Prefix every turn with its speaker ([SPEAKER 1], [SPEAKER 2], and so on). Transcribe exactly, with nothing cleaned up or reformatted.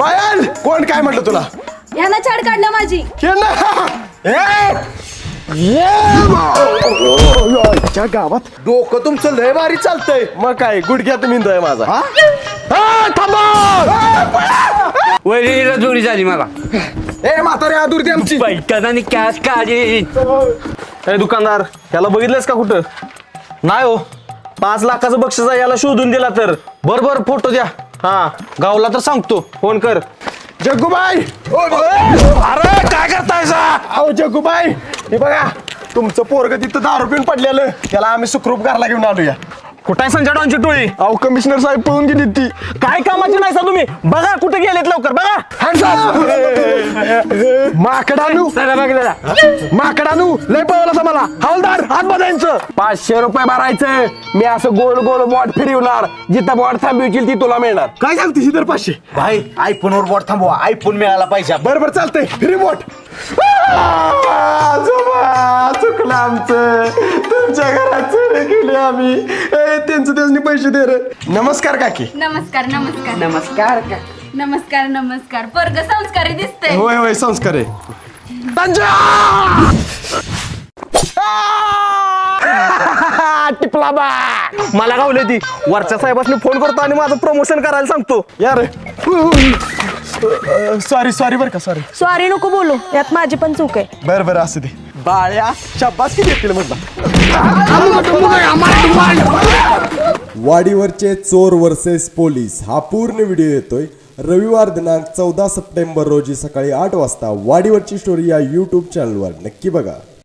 [SPEAKER 1] पायल कोण काय म्हटलं तुला
[SPEAKER 2] ह्यानं छाड काढल्या माझी
[SPEAKER 1] च्या गावात डोकं तुमचं लय भारी चालतंय मग काय गुडघ्यात मिंदोय माझा
[SPEAKER 3] वैरीला जोडी झाली मला
[SPEAKER 1] ए म्हातारे आदुरती आमची
[SPEAKER 3] बैठक आणि कॅश काढी
[SPEAKER 4] ए दुकानदार याला बघितलंस का कुठं नाही हो पाच लाखाचं बक्षीस आहे याला शोधून दिला तर बर बर फोटो द्या हा गावला तर सांगतो फोन कर
[SPEAKER 1] जग्गूबाई
[SPEAKER 4] अरे काय करताय
[SPEAKER 1] अहो जग्गूबाई हे बघा तुमचं पोरग तिथं दारू पिऊन पडलेलं त्याला आम्ही सुखरूप घरला घेऊन आलोया
[SPEAKER 4] कुठे संजय डॉनची टोळी
[SPEAKER 1] अहो कमिशनर साहेब पळून गेली ती
[SPEAKER 4] काय कामाची नाही सा तुम्ही बघा कुठे गेलेत लवकर बघा
[SPEAKER 1] माकडानू माकडानू लय पळवलं मला हवालदार हात बदायचं पाचशे रुपये भरायचं मी असं गोल गोल बॉट फिरवणार जिथं बॉट थांबवशील ती तुला मिळणार काय सांगते तर पाचशे
[SPEAKER 5] भाई आयफोन वर बोट थांबवा आयफोन मिळाला पाहिजे
[SPEAKER 1] बरोबर चालतंय फ्री बॉट चुकलं आमचं तुमच्या घरात चोरी केली आम्ही त्यांचं त्यांनी पैसे दे रे नमस्कार काकी
[SPEAKER 2] नमस्कार नमस्कार
[SPEAKER 3] नमस्कार
[SPEAKER 2] नमस्कार नमस्कार पोरग संस्कारी दिसतंय
[SPEAKER 1] होय होय संस्कार आहे
[SPEAKER 4] टिपला बा मला गावले ती वरच्या साहेबांनी फोन करतो आणि माझं प्रमोशन करायला सांगतो
[SPEAKER 1] यार सॉरी सॉरी बरं का सॉरी
[SPEAKER 2] सॉरी नको बोलू यात माझी पण चूक आहे
[SPEAKER 1] बरं बरं असू दे बाळ्या शाबास किती येतील म्हटलं
[SPEAKER 6] वाडीवरचे चोर वर्सेस पोलीस हा पूर्ण व्हिडिओ येतोय रविवार दिनांक चौदा सप्टेंबर रोजी सकाळी आठ वाजता वाडीवरची स्टोरी या यूट्यूब चॅनलवर नक्की बघा.